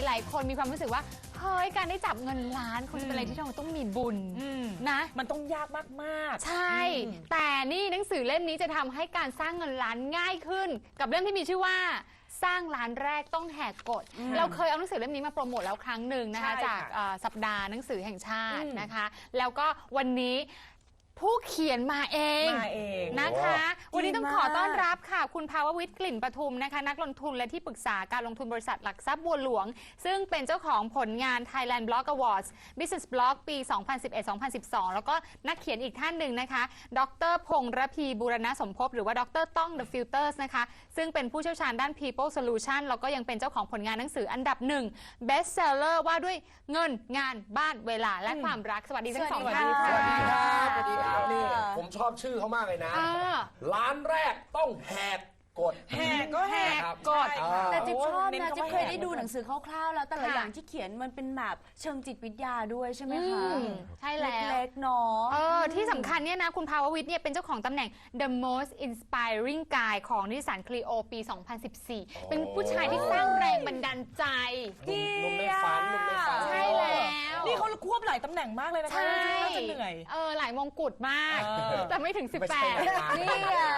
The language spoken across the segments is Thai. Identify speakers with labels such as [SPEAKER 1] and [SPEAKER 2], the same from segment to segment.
[SPEAKER 1] ลายๆคนมีความรู้สึกว่าเฮ้ยการได้จับเงินล้านคงจะเป็นอะไรที่เราต้องมีบุญนะ
[SPEAKER 2] มันต้องยากมาก
[SPEAKER 1] ๆใช่แต่นี่หนังสือเล่มนี้จะทำให้การสร้างเงินล้านง่ายขึ้นกับเรื่องที่มีชื่อว่าสร้างล้านแรกต้องแหกกฎเราเคยเอาหนังสือเล่มนี้มาโปรโมทแล้วครั้งหนึ่งนะคะจากสัปดาห์หนังสือแห่งชาตินะคะแล้วก็วันนี้ผู้เขียนมาเองนะคะวันนี้ต้องขอต้อนรับค่ะคุณภาววิทย์กลิ่นปทุมนะคะนักลงทุนและที่ปรึกษาการลงทุนบริษัทหลักทรัพย์บัวหลวงซึ่งเป็นเจ้าของผลงาน Thailand Blog Awards Business Blog ปี 2011-2012 แล้วก็นักเขียนอีกท่านหนึ่งนะคะดร.พงษ์ระพีบูรณสมภพหรือว่าดร.ต้อง The Filters นะคะซึ่งเป็นผู้เชี่ยวชาญด้าน People Solution แล้วก็ยังเป็นเจ้าของผลงานหนังสืออันดับหนึ่ง Best Seller ว่าด้วยเงินงานบ้านเวลาและความรักสวัสดีทั้งสองท่านค่ะ
[SPEAKER 3] นี่ผมชอบชื่อเขามากเลยนะร้านแรกต้องแหกกฎ
[SPEAKER 2] แหกก็แหกกฎ
[SPEAKER 4] แต่จิ๊บชอบนะจิ๊บเคยได้ดูหนังสือคร่าวๆแล้วแต่ละอย่างที่เขียนมันเป็นแบบเชิงจิตวิทยาด้วยใช่ไหมคะ
[SPEAKER 1] ใช่แล้ว
[SPEAKER 4] เล็กๆเนาะ
[SPEAKER 1] ที่สำคัญเนี่ยนะคุณภาววิทย์เนี่ยเป็นเจ้าของตำแหน่ง The Most Inspiring Guy ของนิสสันคลีโอปี 2014 เป็นผู้ชายที่สร้างแรงบันดาลใจ
[SPEAKER 3] หนุ่มในฝัน
[SPEAKER 1] ใช่แล้ว
[SPEAKER 2] นี่เขาควบหลายตำแหน่งมากเลยนะคะน่าจะเหนื่อย
[SPEAKER 1] หลายมงกุฎมากแต่ไม่ถึง 18
[SPEAKER 3] นี่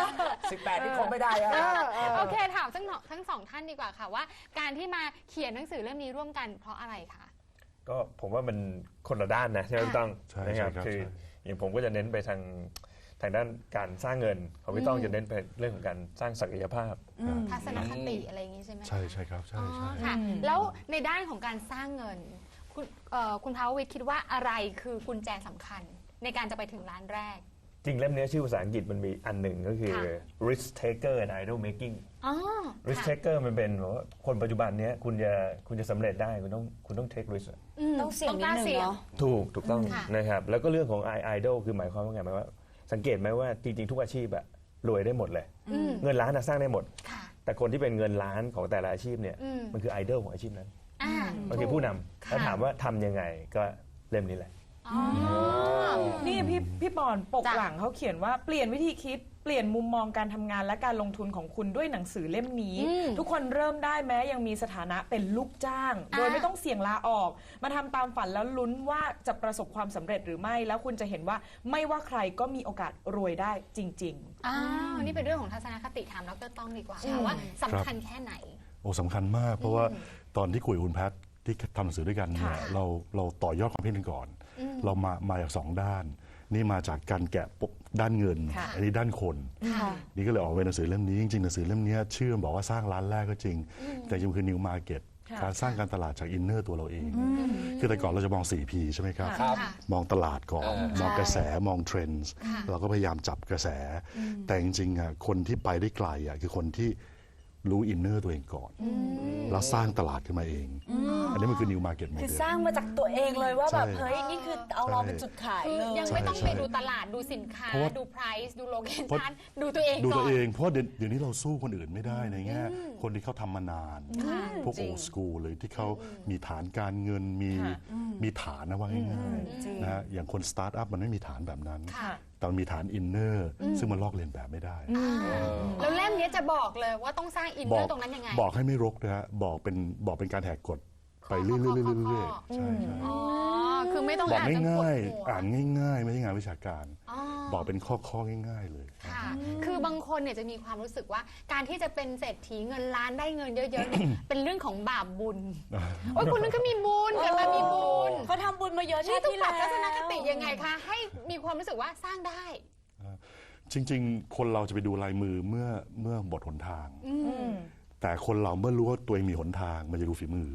[SPEAKER 3] 18ที่คงไม่ได้
[SPEAKER 1] โอเคถามทั้งสองท่านดีกว่าค่ะว่าการที่มาเขียนหนังสือเล่มนี้ร่วมกันเพราะอะไรคะ
[SPEAKER 5] ก็ผมว่ามันคนละด้านนะใช่ไหมพี่ต้องนะครับคืออย่างผมก็จะเน้นไปทางด้านการสร้างเงินของพี่ต้องจะเน้นไปเรื่องของการสร้างศักยภาพ
[SPEAKER 1] ทัศนคติอะไรอย่างนี้ใช่ไหม
[SPEAKER 6] ใช่ครับใช่
[SPEAKER 1] ค่ะแล้วในด้านของการสร้างเงินคุณภาววิทย์คิดว่าอะไรคือกุญแจสำคัญในการจะไปถึงล้านแรก
[SPEAKER 5] จริงเล่มนี้ชื่อภาษาอังกฤษมันมีอันหนึ่งก็คือ risk taker and idol making risk taker มันเป็นว่าคนปัจจุบันนี้คุณจะสำเร็จได้คุณต้อง take risk
[SPEAKER 4] ต้องเสี่ยงนิดนึงเนาะ
[SPEAKER 5] ถูกต้องนะครับแล้วก็เรื่องของ idol คือหมายความว่าไงหมายว่าสังเกตไหมว่าจริงๆทุกอาชีพอะรวยได้หมดเลยเงินล้านสร้างได้หมดแต่คนที่เป็นเงินล้านของแต่ละอาชีพเนี่ยมันคือ idol ของอาชีพนั้นมันคือผู้นำแล้วถามว่าทำยังไงก็เล่มนี้แหละ
[SPEAKER 2] นี่พี่ปอนปกหลังเขาเขียนว่าเปลี่ยนวิธีคิดเปลี่ยนมุมมองการทำงานและการลงทุนของคุณด้วยหนังสือเล่มนี้ทุกคนเริ่มได้แม้ยังมีสถานะเป็นลูกจ้างโดยไม่ต้องเสี่ยงลาออกมาทำตามฝันแล้วลุ้นว่าจะประสบความสำเร็จหรือไม่แล้วคุณจะเห็นว่าไม่ว่าใครก็มีโอกาสรวยได้จริง
[SPEAKER 1] ๆนี่เป็นเรื่องของทัศนคติถามดร.ต้องดีกว่าว่าสำคัญแค่ไหน
[SPEAKER 6] โอ้สำคัญมากเพราะว่าตอนที่คุยกับคุณแพทที่ทำหนังสือด้วยกันเนี่ยเราต่อยอดความคิดกันก่อนเรามาจาก2 ด้านนี่มาจากการแกะด้านเงินอันนี้ด้านคนนี่ก็เลยออกเป็นหนังสือเล่มนี้จริงๆหนังสือเล่มนี้ชื่อบอกว่าสร้างร้านแรกก็จริงแต่จริงคือ New Market การสร้างการตลาดจากอินเนอร์ตัวเราเองคือแต่ก่อนเราจะมอง 4P ใช่ไหมครับมองตลาดก่อนมองกระแสมองเทรนด์เราก็พยายามจับกระแสแต่จริงๆคนที่ไปได้ไกลคือคนที่รู้อินเนอร์ตัวเองก่อนแล้วสร้างตลาดขึ้นมาเองอันนี้มันคือ New Market Model
[SPEAKER 4] คือสร้างมาจากตัวเองเลยว่าแบบเฮ้ยนี่คือเอาเราเป็นจุดขายเลย
[SPEAKER 1] ยังไม่ต้องไปดูตลาดดูสินค้าดู price ดู location ดูตัวเองก่อน
[SPEAKER 6] ดูตัวเองเพราะเดี๋ยวนี้เราสู้คนอื่นไม่ได้ในแง่คนที่เขาทำมานานพวก old school เลยที่เขามีฐานการเงินมีฐานนะว่าง่ายๆนะอย่างคนสตาร์ทอัพมันไม่มีฐานแบบนั้นแต่มันมีฐานอินเนอร์ซึ่งมันลอกเลียนแบบไม่ได้
[SPEAKER 1] แล้วเล่มนี้จะบอกเลยว่าต้องสร้างอินเนอร์ตรงนั้นยังไง
[SPEAKER 6] บอกให้ไม่รกนะฮะบอกเป็นการแหกกฎไปเรื่อยๆใช่
[SPEAKER 1] คือไม่ต้อง
[SPEAKER 6] บอกง่ายๆอ่านง่ายๆไม่ใช่งานวิชาการบอกเป็นข้อง่ายๆเลย
[SPEAKER 1] ค่ะคือบางคนเนี่ยจะมีความรู้สึกว่าการที่จะเป็นเศรษฐีเงินล้านได้เงินเยอะๆเป็นเรื่องของบาปบุญโอ้ยคุณนึกก็มีบุญกันมามีบุญ
[SPEAKER 4] เขาทำบุญมาเยอะ
[SPEAKER 1] นี่ต้องปรับทัศนคติยังไงคะให้มีความรู้สึกว่าสร้างได้
[SPEAKER 6] จริงๆคนเราจะไปดูลายมือเมื่อบทหนทางแต่คนเราเมื่อรู้ว่าตัวเองมีหนทางมันจะดูฝีมือ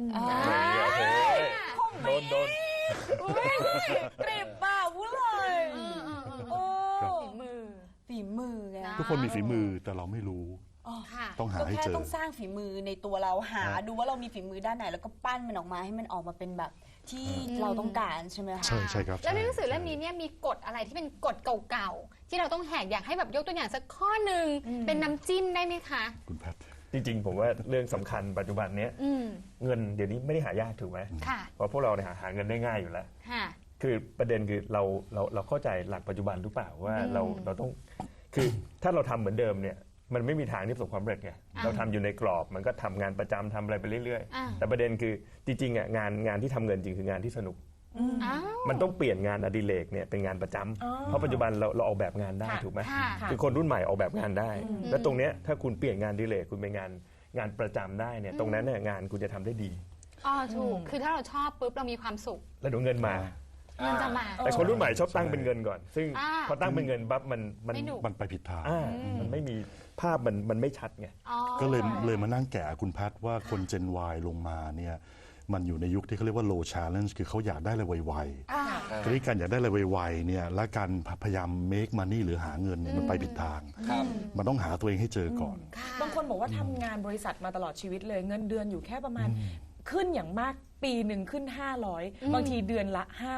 [SPEAKER 5] โดน
[SPEAKER 4] กริบบ่าวุ้เลยฝีมือไง
[SPEAKER 6] ทุกคนมีฝีมือแต่เราไม่รู้ต้องหาให้เจอ
[SPEAKER 4] ต้องสร้างฝีมือในตัวเราหาดูว่าเรามีฝีมือด้านไหนแล้วก็ปั้นมันออกมาให้มันออกมาเป็นแบบที่เราต้องการใช่ไหมคะ
[SPEAKER 6] ใช่ครับ
[SPEAKER 1] แล้วในหนังสือเล่มนี้เนี่ยมีกฎอะไรที่เป็นกฎเก่าๆที่เราต้องแหกอยากให้แบบยกตัวอย่างสักข้อหนึ่งเป็นน้ำจิ้มได้ไหมคะ
[SPEAKER 6] คุณแพท
[SPEAKER 5] จริงๆผมว่าเรื่องสำคัญปัจจุบันนี้เงินเดี๋ยวนี้ไม่ได้หายากถูกไหมเพราะพวกเราเนี่ยหาเงินได้ง่ายอยู่แล้วคือประเด็นคือเราเข้าใจหลักปัจจุบันหรือเปล่าว่าเราต้องคือถ้าเราทำเหมือนเดิมเนี่ยมันไม่มีทางที่ประสบความสำเร็จไงเราทำอยู่ในกรอบมันก็ทำงานประจำทำอะไรไปเรื่อย
[SPEAKER 1] อ่า
[SPEAKER 5] ๆแต่ประเด็นคือจริงๆอ่ะงานที่ทำเงินจริงคืองานที่สนุก
[SPEAKER 1] อ้าว
[SPEAKER 5] มันต้องเปลี่ยนงานอดิเรกเนี่ยเป็นงานประจำเพราะปัจจุบันเราออกแบบงานได้
[SPEAKER 2] ค่ะ
[SPEAKER 5] ถูกไหม
[SPEAKER 1] ค่ะ
[SPEAKER 5] คือคนรุ่นใหม่ออกแบบงานได้ แล้วตรงเนี้ยถ้าคุณเปลี่ยนงานอดิเรกคุณเป็นงานประจำได้เนี่ยตรงนั้นเนี่ยงานคุณจะทำได้ดี
[SPEAKER 1] อ๋อถูกคือถ้าเราชอบปุ๊บเรามีความสุข
[SPEAKER 5] แล้วเดี๋ยวเงินมา
[SPEAKER 1] เงินจะมา
[SPEAKER 5] แต่คนรุ่นใหม่ชอบตั้งเป็นเงินก่อน ซึ่ง
[SPEAKER 1] อ่า
[SPEAKER 5] พอตั้งเป็นเงินปั๊บมัน
[SPEAKER 1] ไม่หนุก
[SPEAKER 6] มันไปผิดทาง
[SPEAKER 5] มันไม่มีภาพมันไม่ชัดไง
[SPEAKER 1] อ๋อ
[SPEAKER 6] ก็เลยมานั่งแกะคุณแพทย์ว่าคน Gen Y ลงมาเนี่ยมันอยู่ในยุคที่เขาเรียกว่า low challenge คือเขาอยากได้อะไรไวๆทีนี้การอยากได้อะไรไวๆเนี่ยและการพยายาม make money หรือหาเงินเนี่ยมันไปผิดทาง
[SPEAKER 3] ครับ
[SPEAKER 6] มันต้องหาตัวเองให้เจอก่อน
[SPEAKER 2] บางคนบอกว่าทำงานบริษัทมาตลอดชีวิตเลยเงินเดือนอยู่แค่ประมาณขึ้นอย่างมากปีหนึ่งขึ้น 500 บางทีเดือนละ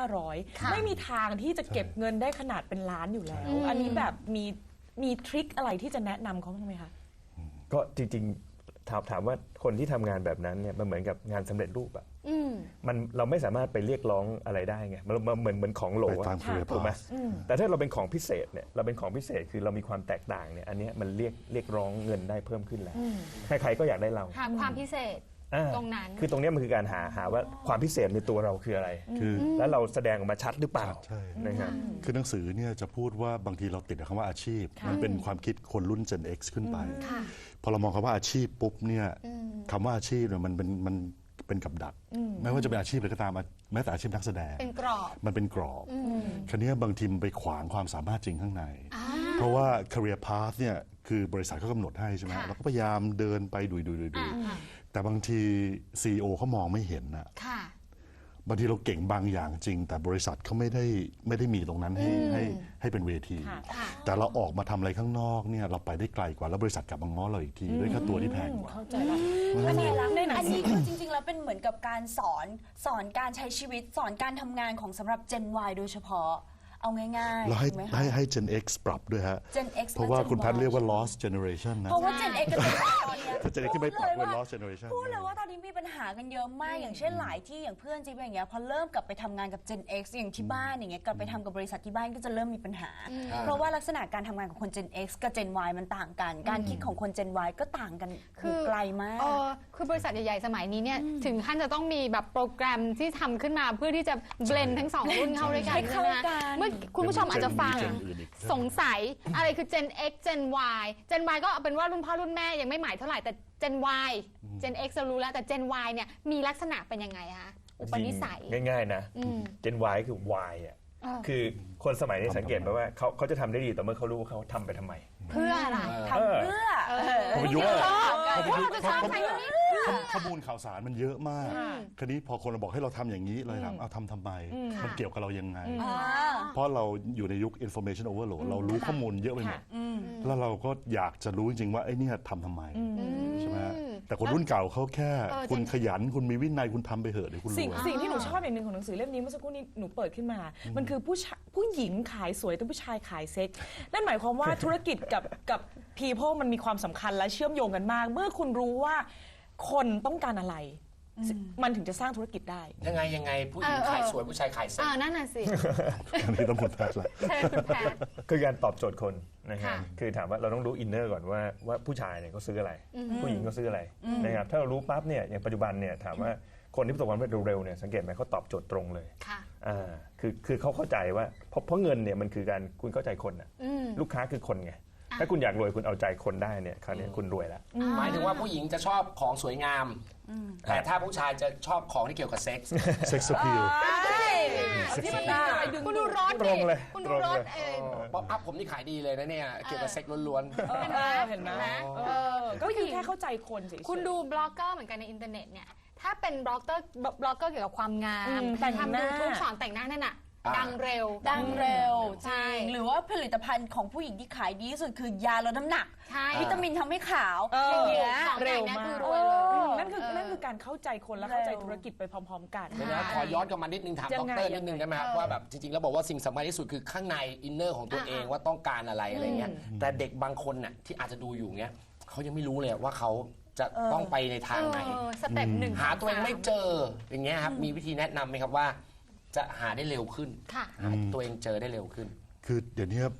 [SPEAKER 2] 500 ไม่มีทางที่จะเก็บเงินได้ขนาดเป็นล้านอยู่แล้ว อันนี้แบบมีทริคอะไรที่จะแนะนำเขาบ้างไหมคะ
[SPEAKER 5] ก็จริงๆถามว่าคนที่ทำงานแบบนั้นเนี่ยมันเหมือนกับงานสำเร็จรูปอะเราไม่สามารถไปเรียกร้องอะไรได้ไงมันเหมือนของโหล
[SPEAKER 6] ไป
[SPEAKER 5] อะ
[SPEAKER 6] ตาม career
[SPEAKER 5] ถูกไหม
[SPEAKER 6] path
[SPEAKER 5] แต่ถ้าเราเป็นของพิเศษเนี่ยเราเป็นของพิเศษคือเรามีความแตกต่างเนี่ยอันเนี้ยมันเรียกร้องเงินได้เพิ่มขึ้นแล้วใครๆก็อยากได้เรา
[SPEAKER 1] หาความพิเศษ
[SPEAKER 5] อ่า
[SPEAKER 1] ตรงนั้น
[SPEAKER 5] คือตรงเนี้ยมันคือการหาว่าความพิเศษในตัวเราคืออะไร
[SPEAKER 6] คือ
[SPEAKER 5] แล้วเราแสดงออกมาชัดหรือเปล่า
[SPEAKER 6] ใช่
[SPEAKER 5] นะครับ
[SPEAKER 6] คือหนังสือเนี่ยจะพูดว่าบางทีเราติดกับคำว่าอาชีพ มันเป็นความคิดคนรุ่น Gen X ขึ้นไป พอเรามองคำว่าอาชีพปุ๊บเนี่ยคำว่าอาชีพเนี่ยมันเป็นกับดักไม่ว่าจะเป็นอาชีพอะไรก็ตามแม้แต่อาชีพนักแสดง
[SPEAKER 1] เป็นกรอบ
[SPEAKER 6] มันเป็นกรอบคราวนี้บางทีมันไปขวางความสามารถจริงข้างใน เพราะว่า career path เนี่ยคือบริษัทเขากำหนดให้ใช่ไหม
[SPEAKER 1] ค่ะ
[SPEAKER 6] เราก็พยายามเดินไปดุยแต่บางที CEO เขามองไม่เห็นนะ
[SPEAKER 1] ค่ะ
[SPEAKER 6] บางทีเราเก่งบางอย่างจริง แต่บริษัทเขาไม่ได้มีตรงนั้นให้เป็นเวที
[SPEAKER 2] ค่ะ
[SPEAKER 6] แต่เราออกมาทำอะไรข้างนอกเนี่ยเราไปได้ไกลกว่าแล้วบริษัทกลับมาง้อเราอีกทีด้วยค่าตัวที่แพงกว่า
[SPEAKER 2] เข้าใจแล้ว
[SPEAKER 4] อันนี้
[SPEAKER 2] ในหนัง
[SPEAKER 4] อัน
[SPEAKER 2] สื
[SPEAKER 4] นี้
[SPEAKER 2] อ
[SPEAKER 4] คือจริงๆแล้วเป็นเหมือนกับการสอนการใช้ชีวิตสอนการทำงานของสำหรับ Gen Y โดยเฉพาะเอาง่ายๆ
[SPEAKER 6] แล้วให้
[SPEAKER 4] ถูกไหมคะ
[SPEAKER 6] ให้ Gen X ปรับด้วยฮะ
[SPEAKER 4] Gen X
[SPEAKER 6] เพราะว่า
[SPEAKER 4] และ Gen
[SPEAKER 6] คุณพัฒ
[SPEAKER 4] Y
[SPEAKER 6] เรียกว่า lost generation นะ
[SPEAKER 4] เพราะว่า Gen X กับ Gen Y ตอนเนี้ย
[SPEAKER 6] ถ้า Gen X ที่ไม่ปรับด้วย lost generation
[SPEAKER 4] พูดเลยว่าตอนนี้มีปัญหากันเยอะมาก อย่างเช่นหลายที่อย่างเพื่อนจิ๊บอย่างเงี้ยพอเริ่มกลับไปทำงานกับ Gen X อย่างที่บ้านอย่างเงี้ยกลับไปทำกับบริษัทที่บ้านก็จะเริ่มมีปัญหา เพราะว่าลักษณะการทำงานของคน Gen X กับ Gen Y มันต่างกัน การคิดของคน Gen Y ก็ต่างกัน
[SPEAKER 1] คือ
[SPEAKER 4] ไกลมาก
[SPEAKER 1] คือบริษัทใหญ่ ๆ สมัยนี้เนี่ยถึงขั้นจะต้องมีแบบโปรแกรมที่ทำขึ้นมาเพื่อที่จะเบลนทั้งสองรุ่นเข้าด้วยกัน
[SPEAKER 4] ให้เข้า
[SPEAKER 1] ใช่ไหม
[SPEAKER 4] กัน
[SPEAKER 1] เมื่อคุณผู้ชมอาจจะฟัง
[SPEAKER 6] Gen อื่นอีก
[SPEAKER 1] สงสัยอะไรคือ Gen X Gen Y Gen Y ก็เอาเป็นว่ารุ่นพ่อรุ่นแม่ยังไม่หมายเท่าไหร่แต่ Gen Y Gen X เรารู้แล้วแต่ Gen Y เนี่ยมีลักษณะเป็นยังไงคะอุปนิสัย
[SPEAKER 5] ง่ายๆนะ Gen Y คือ Y อ่ะ
[SPEAKER 1] เออ
[SPEAKER 5] คือคนสมัยนี้สังเกตไหมว่าเขาจะทำได้ดีแต่เมื่อเขารู้ว่าเขาทำไปทำไม
[SPEAKER 1] เพื่ออะไร
[SPEAKER 4] ทำเพื่อ
[SPEAKER 6] พอไปยุค
[SPEAKER 1] เออ
[SPEAKER 6] พอไปยุค
[SPEAKER 1] เราจะชอบใช้แบบนี้
[SPEAKER 6] ข้อมูลข่าวสารมันเยอะมาก คราวนี้พอคนเราบอกให้เราทำอย่างนี้เลยถามเอาทำไม มันเกี่ยวกับเรายังไง เพราะเราอยู่ในยุค information overload เรารู้ข้อมูลเยอะไปหมด แล้วเราก็อยากจะรู้จริงๆว่าไอ้เนี่ยทำไมใช่ไหมแต่คนรุ่นเก่าเขาแค่ คุณขยันคุณมีวินัยคุณทำไปเถอะเดี๋ยวคุณร
[SPEAKER 2] สิ่ง
[SPEAKER 6] วย
[SPEAKER 2] สิ่งที่หนูชอบอย่างหนึ่งของหนังสือเล่มนี้เมื่อสักครู่นี้หนูเปิดขึ้นมา มันคือผู้หญิงขายสวยแต่ผู้ชายขายเซ็กซ์นั่นหมายความว่าธุรกิจกับ people มันมีความสำคัญและเชื่อมโยงกันมาก เมื่อคุณรู้ว่าคนต้องการอะไร มันถึงจะสร้างธุรกิจได้
[SPEAKER 3] ยังไงผู้หญิงขายสวยผู้ชายขายเซ็ก
[SPEAKER 1] นั่นน่ะสิ
[SPEAKER 6] อันนี้ต้องคุณแพทย์ละ
[SPEAKER 1] ใช่คุณแพทย์
[SPEAKER 5] คือการตอบโจทย์คนนะครับ
[SPEAKER 1] ค่ะ
[SPEAKER 5] คือถามว่าเราต้องรู้อินเนอร์ก่อนว่าผู้ชายเนี่ยเขาซื้ออะไร ผู้หญิงเขาซื้ออะไรนะครับถ้าเรารู้ปั๊บเนี่ยอย่างปัจจุบันเนี่ยถามว่าคนที่ประสบความสำเร็จเร็วๆเนี่ยสังเกตไหมเขาตอบโจทย์ตรงเลย
[SPEAKER 1] ค่ะ
[SPEAKER 5] คือเขาเข้าใจว่าเพราะเงินเนี่ยมันคือการคุณเข้าใจคนน่ะลูกค้าคือคนไงถ้าคุณอยากรวยคุณเอาใจคนได้เนี่ยคราวนี้คุณรวยแล้ว
[SPEAKER 3] หมายถึงว่าผู้หญิงจะชอบของสวยงาม แต่ถ้าผู้ชายจะชอบของที่เกี่ยวกับเซ็กส์
[SPEAKER 6] sex appeal
[SPEAKER 2] ที่มันน่าอะไรดึง
[SPEAKER 1] คุณดูรถ
[SPEAKER 5] ตรงเลย
[SPEAKER 1] คุณดูรถ
[SPEAKER 3] ป๊อปอัพผมนี่ขายดีเลยนะเนี่ยเกี่ยวกับเซ็กส์ล้วน
[SPEAKER 2] เห็นไหมก็คือแค่เข้าใจคนเฉยๆ
[SPEAKER 1] คุณดูบล็อกเกอร์เหมือนกันในอินเทอร์เน็ตเนี่ยถ้าเป็นบล็อกเกอร์เกี่ยวกับความงาม
[SPEAKER 2] แต่งห
[SPEAKER 1] ทำ
[SPEAKER 2] น้า
[SPEAKER 1] ยูทูบสอนแต่งหน้านั่นน่ะดังเร็ว
[SPEAKER 4] ดังเร็วจ
[SPEAKER 1] ใช่
[SPEAKER 4] ริงหรือว่าผลิตภัณฑ์ของผู้หญิงที่ขายดีที่สุดคือยาลดน้ำหนัก
[SPEAKER 1] ใช่
[SPEAKER 4] วิตามินทำให้ขาว
[SPEAKER 1] อย่างเงี้ย
[SPEAKER 2] เร็
[SPEAKER 1] เร็
[SPEAKER 2] ว
[SPEAKER 1] ว
[SPEAKER 2] มาก
[SPEAKER 1] คือรวยเลย
[SPEAKER 2] นั่นคือการเข้าใจคนและเข้าใจธุรกิจไปพร้อมๆกัน
[SPEAKER 3] ๆเดี๋ยวนะขอย้อนกลับมานิดนึงถาม
[SPEAKER 2] ยั
[SPEAKER 3] ด
[SPEAKER 2] งไง
[SPEAKER 3] รนิดนึงได้ไหมครับว่าแบบจริงๆแล้วบอกว่าสิ่งสำคัญที่สุดคือข้างในอินเนอร์ของตัวเองว่าต้องการอะไรอะไรเงี้ยแต่เด็กบางคนน่ะที่อาจจะดูอยู่เงี้ยเขายังไม่รู้เลยว่าเขาจะต้องไปในทางไหน
[SPEAKER 1] สเต็ปหนึ่ง
[SPEAKER 3] หาตัวเองไม่เจออย่างเงี้ยครับมีวิธีแนะนำไหมครับว่าจะหาได้เร็วขึ้น
[SPEAKER 1] ค่ะ
[SPEAKER 3] หาตัวเองเจอได้เร็วขึ้น
[SPEAKER 6] คือเดี๋ยวนี้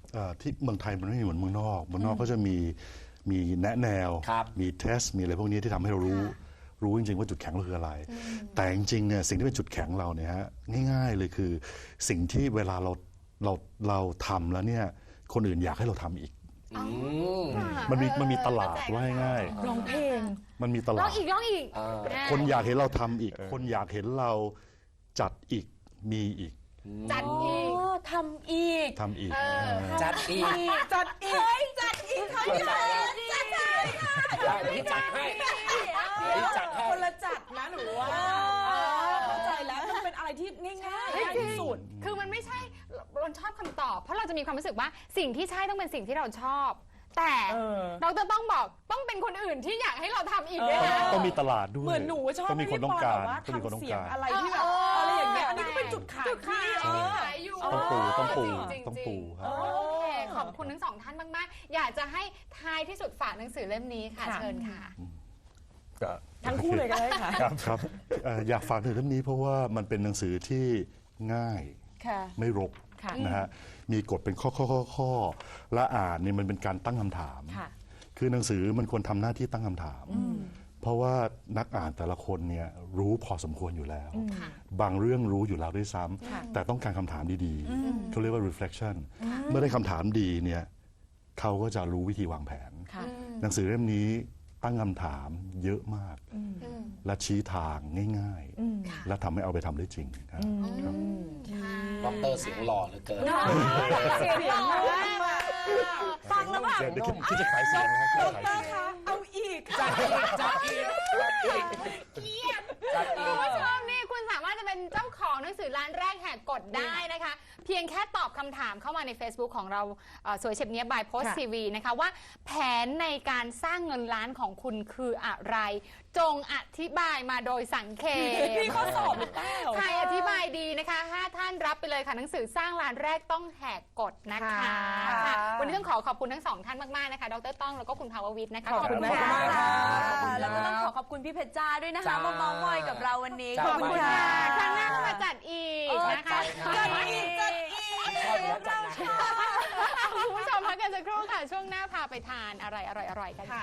[SPEAKER 6] ที่เมืองไทยมันไม่เหมือนเมืองนอกเมืองนอกก็จะมีแนะแนว
[SPEAKER 3] ครับ
[SPEAKER 6] มีเทสมีอะไรพวกนี้ที่ทำให้เรารู้จริงๆว่าจุดแข็งเราคืออะไร แต่จริงๆเนี่ยสิ่งที่เป็นจุดแข็งเราเนี่ยฮะง่ายๆเลยคือสิ่งที่เวลาเราทำแล้วเนี่ยคนอื่นอยากให้เราทำอีก มันมีตลาดว่าง่าย
[SPEAKER 2] ร้องเพลง
[SPEAKER 6] ๆมันมีต
[SPEAKER 1] ร้
[SPEAKER 6] ลา
[SPEAKER 1] อง
[SPEAKER 6] ด
[SPEAKER 1] อีกร้องอีก
[SPEAKER 6] คนอยากเห็นเราทำอีก คนอยากเห็นเราจัดอีกมีอีก
[SPEAKER 1] จัดอีก
[SPEAKER 4] ทำอีก
[SPEAKER 6] ทำอีก
[SPEAKER 3] จัดอีก
[SPEAKER 2] จัดอีก
[SPEAKER 4] จัดอีกเขา
[SPEAKER 3] เข้าใจแล้ว
[SPEAKER 4] จัดอีกค่ะ
[SPEAKER 3] ได้เดี๋ยวพี่จัดให้เดี๋ยวพี่จัดให้
[SPEAKER 2] คนละจัดนะหนูว่าเข้าใจแล้วมันเป็นอะไรที่ง่ายๆง่ายที่สุด
[SPEAKER 1] คือมันไม่ใช่เราชอบคำตอบ เพราะเราจะมีความรู้สึกว่าสิ่งที่ใช่ต้องเป็นสิ่งที่เราชอบ แต่ เราจะต้องบอกต้องเป็นคนอื่นที่อยากให้เราทำอีกด้วยนะ
[SPEAKER 6] ต้องมีตลาดด้วย
[SPEAKER 2] เหมือนหนูชอบ
[SPEAKER 6] ต้องมีคน
[SPEAKER 2] ให้
[SPEAKER 6] ต้อง
[SPEAKER 2] พี่ป
[SPEAKER 6] การ
[SPEAKER 2] แบบว่า
[SPEAKER 6] ต้องมีคนต้อ
[SPEAKER 2] ทำ
[SPEAKER 6] ง
[SPEAKER 2] เสียง
[SPEAKER 6] การ
[SPEAKER 2] อะไรที่แบบอะไรอย่างเงี้ยอันนี้ก็เป็นจุดขายที่
[SPEAKER 1] ขายอยู่
[SPEAKER 6] ต้องปู
[SPEAKER 1] จริงๆ
[SPEAKER 6] ต้องปูครับ
[SPEAKER 1] โอเคขอบคุณทั้งสองท่านมากๆ อยากจะให้ท้ายที่สุดฝากหนังสือเล่มนี้ค่ะ
[SPEAKER 2] ค่ะ
[SPEAKER 1] เชิญค่ะ
[SPEAKER 2] ทั้งคู่เลยก็ได้ค่ะ
[SPEAKER 6] ครับอยากฝากถึงเรื่องนี้เพราะว่ามันเป็นหนังสือที่ง่าย
[SPEAKER 4] ค่ะ
[SPEAKER 6] ไม่รก
[SPEAKER 2] ค่ะ
[SPEAKER 6] นะฮะมีกฎเป็นข้อและอ่านเนี่ยมันเป็นการตั้งคำถาม
[SPEAKER 2] ค่ะ
[SPEAKER 6] คือหนังสือมันควรทำหน้าที่ตั้งคำถาม เพราะว่านักอ่านแต่ละคนเนี่ยรู้พอสมควรอยู่แล้ว บางเรื่องรู้อยู่แล้วด้วยซ้ำแต่ต้องการคำถามดีๆเขาเรียกว่า reflection เมื่อได้คำถามดีเนี่ยเขาก็จะรู้วิธีวางแผน
[SPEAKER 2] ค่ะ
[SPEAKER 6] หนังสือเล่มนี้ตั้งคำถามเยอะมาก และชี้ทางง่ายๆ และทำให้เอาไปทำได้จริงครับ
[SPEAKER 3] ดอกเตอรเสียงหล่อเหลือเกิน
[SPEAKER 1] เสียงหล่อมาก
[SPEAKER 4] ฟังแล้วแบบ
[SPEAKER 6] เดี๋ยวคิดจะขายเสียงนะครับคิดจะขายเสียง
[SPEAKER 2] เอาอีก
[SPEAKER 3] จัดอีกจัดอีกจัดอีก
[SPEAKER 1] เกลียด
[SPEAKER 3] จัดอี
[SPEAKER 1] คุณ
[SPEAKER 3] ก
[SPEAKER 1] ผู้ชมนี่คุณสามารถจะเป็นเจ้าของหนังสือร้านแรกแหกกฎได้นะคะ เพียงแค่ตอบคำถามเข้ามาใน Facebook ของเราสวยเฉียบเนี้ยบายโพส
[SPEAKER 2] ค่ะ
[SPEAKER 1] ทีวีนะคะว่าแผนในการสร้างเงินล้านของคุณคืออะไร จงอธิบายมาโดยสังเขป
[SPEAKER 2] มีข้อสอบหรือเปล่า
[SPEAKER 1] ใครอธิบายดีนะคะ5ท่านรับไปเลยค่ะหนังสือสร้างร้านแรกต้องแหกกฎนะคะ
[SPEAKER 2] ค่ะ
[SPEAKER 1] ค่ะวันนี้ต้องขอบคุณทั้งสองท่านมากๆนะคะดรต้องแล้วก็คุณภาววิทย์นะคะ
[SPEAKER 2] ขอบคุณ
[SPEAKER 1] ะ
[SPEAKER 2] มากค่ะ
[SPEAKER 4] แล้วก็ต้องขอบคุณพี่เพชรจ้าด้วยนะคะ
[SPEAKER 3] จ้าม
[SPEAKER 4] มาเมาท์มอยกับเราวันนี้
[SPEAKER 3] จ้า
[SPEAKER 1] ขอบคุณค่ะครั้งหน้าก็มาจัดอีกนะคะ
[SPEAKER 3] จัดอีก ชอบอยู่แล้วจัดหนัก
[SPEAKER 1] คุณผู้ชมพักกันสักครู่ค่ะ ช่วงหน้าพาไปทานอะไรอร่อยๆกันค่ะ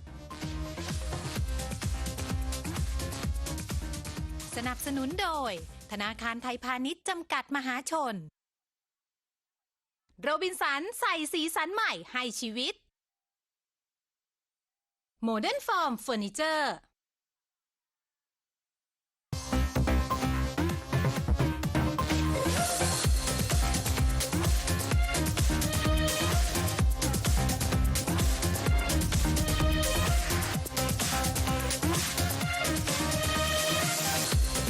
[SPEAKER 7] สนับสนุนโดย ธนาคารไทยพาณิชย์จำกัดมหาชน โรบินสันใส่สีสันใหม่ให้ชีวิต โมเดิร์นฟอร์มเฟอร์นิเจอร์